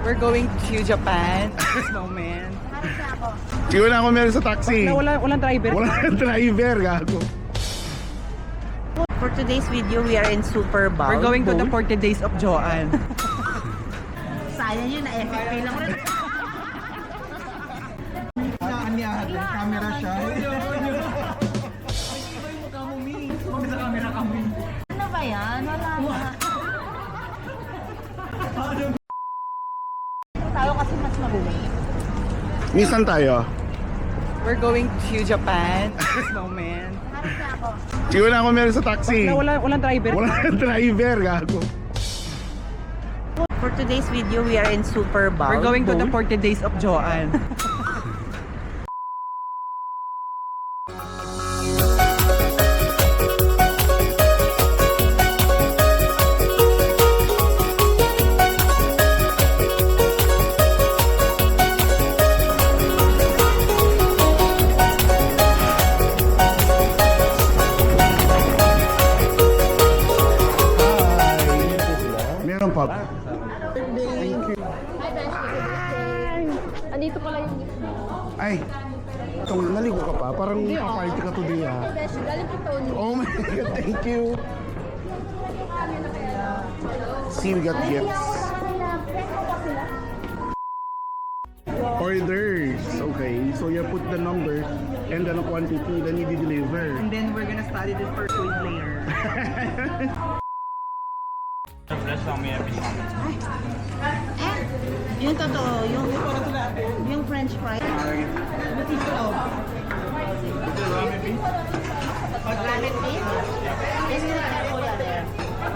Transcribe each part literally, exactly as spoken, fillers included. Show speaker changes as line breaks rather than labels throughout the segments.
We're going to Japan at this moment.
Hindi wala ako meron sa taxi.
Wala, wala, walang driver.
Walang driver, gago.
For today's video, we are in Super Bowl.
We're going to the forty days of Joanne.
Sayang yun, na-F F P lang rin.
Naanyahan ng camera siya.
Ano ba yan? Wala na. Tayo kasi mas mabuhay.
Minsan tayo.
We're going to Japan at this moment.
Hindi wala ako meron sa taxi.
Wala, walang driver.
Walang driver, gago.
For today's video, we are in Super Bowl.
We're going to the forty days of Joanne.
Meron pa.
Andito pala yung gift mo.
Ay, itong naligo ka pa. Parang pa-party ka today ah.
Beshi, galing kay Tony.
Oh my God, thank you. See, we got gifts. Orders. Okay, so you put the number and then a quantity, then you deliver.
And then we're gonna study this for quiz later.
Eh, yung totoo, yung, yung French fries. Ramen beef? Yes, you have kuya there.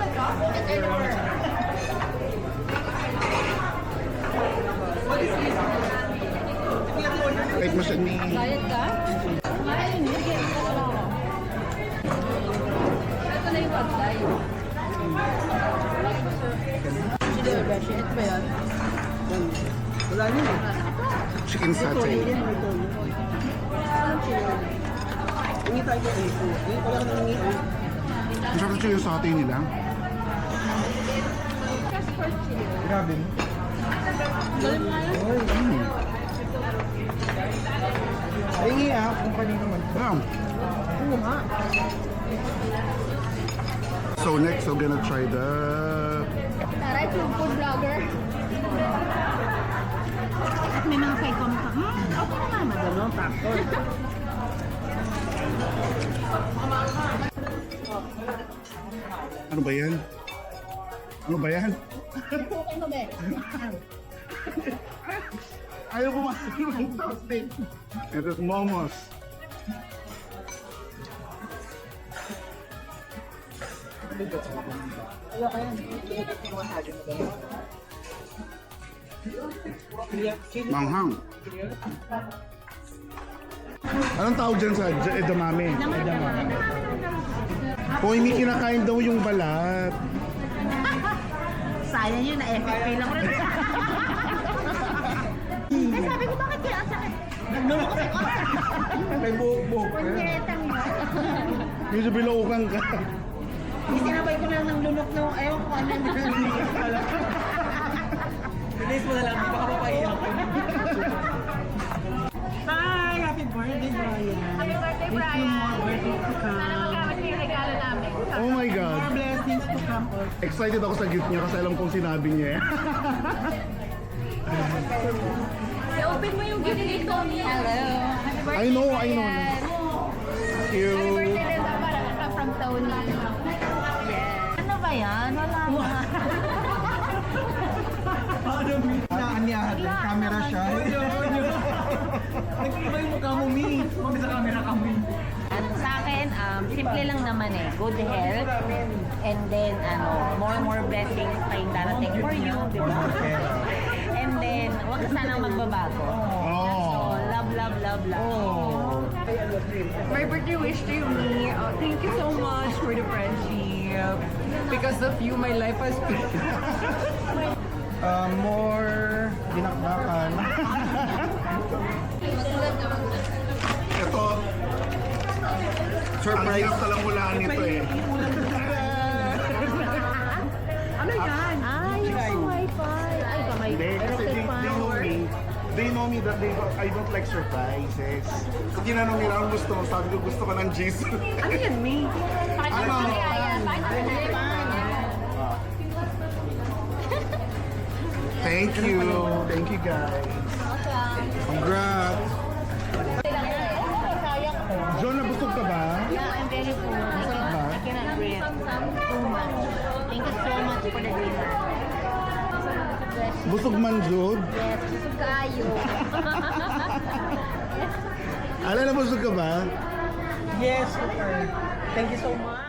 Kahit mo siya ni...
Bayad ka? Ayun, bigyan ka na lang. Ito na yung pagkay. Sige, Beshi, ito ba yan?
Wala yun eh.
Chicken satay.
Hindi tayo ko ito. Hindi ko lang nang ito.
Masarap siya yung satay nila.
Grabe mo.
Galing mo nga yun?
Mm.
Ay, nga ah, kung kanino man.
Yeah.
Oo nga.
So next, we're gonna try the...
Taray, food food vlogger.
At may mga kay comment ka, hmm, okay na nga, madalo, factor.
Ano ba yan? Ano ba yan?
Okay mo, Be?
Ayaw pumasok ng toasting. Ito is momos. Manghang. Anong tawag dyan sa ed- edamame? Hoy, may kinakain daw yung balat.
Sayang yun, na-F F P lang rin. Eh, sabi ko, bakit kaya ang sakit? Naglulok kasi ko.
May buhok-buhok.
Pagkiretang yun.
Medyo bilaukan ka.
Isinabay ko lang ng lunok nung, ayaw ko ano na.
Bilis mo na lang, baka mapaiyak ko. Hi! Happy birthday, Brian!
Happy birthday, Brian! Sana magkamit mo yung regalo namin.
Oh my God.
More blessings to come.
Excited ako sa gift niya kasi alam kong sinabi niya eh.
I-open mo yung gift ni Tony. Hello! Happy birthday,
I know, I know.
Brian.
Thank you.
Happy birthday rin daw para ka from Tony. Yes.
Ano ba yan? Wala na.
Naanyahan ng camera siya. Nag-iba yung mukha mo, Mi. Mami sa camera kami.
Ano, sa akin, um, simple lang naman eh. Good health. And then, ano, more and more blessings pa yung darating for you, di ba? And then, huwag ka sanang magbabago. So, love, love, love, love.
My birthday wish to you, me. Uh, thank you so much for the friendship. Because of you, my life has been.
Uh, more dinakdakan.
Ito, surprise. Ang hirap talang hulaan nito eh.
Ano yan?
Ah, yung sa wifi. Ay, kamay.
Hindi, kasi know me that they don't, I don't like surprises. So tinanong nila ang gusto mo, sabi ko gusto ko ng cheese.
Ano yan, me?
Ano? Thank you. Thank you guys. Congrats. John, nabusog ka ba?
Yeah, I'm very full. I cannot, I cannot breathe too much. Thank you so much for the dinner.
Busog man, Jod.
Yes, busog kayo.
Ala, nabusog ka ba?
Yes, super. Thank you so much.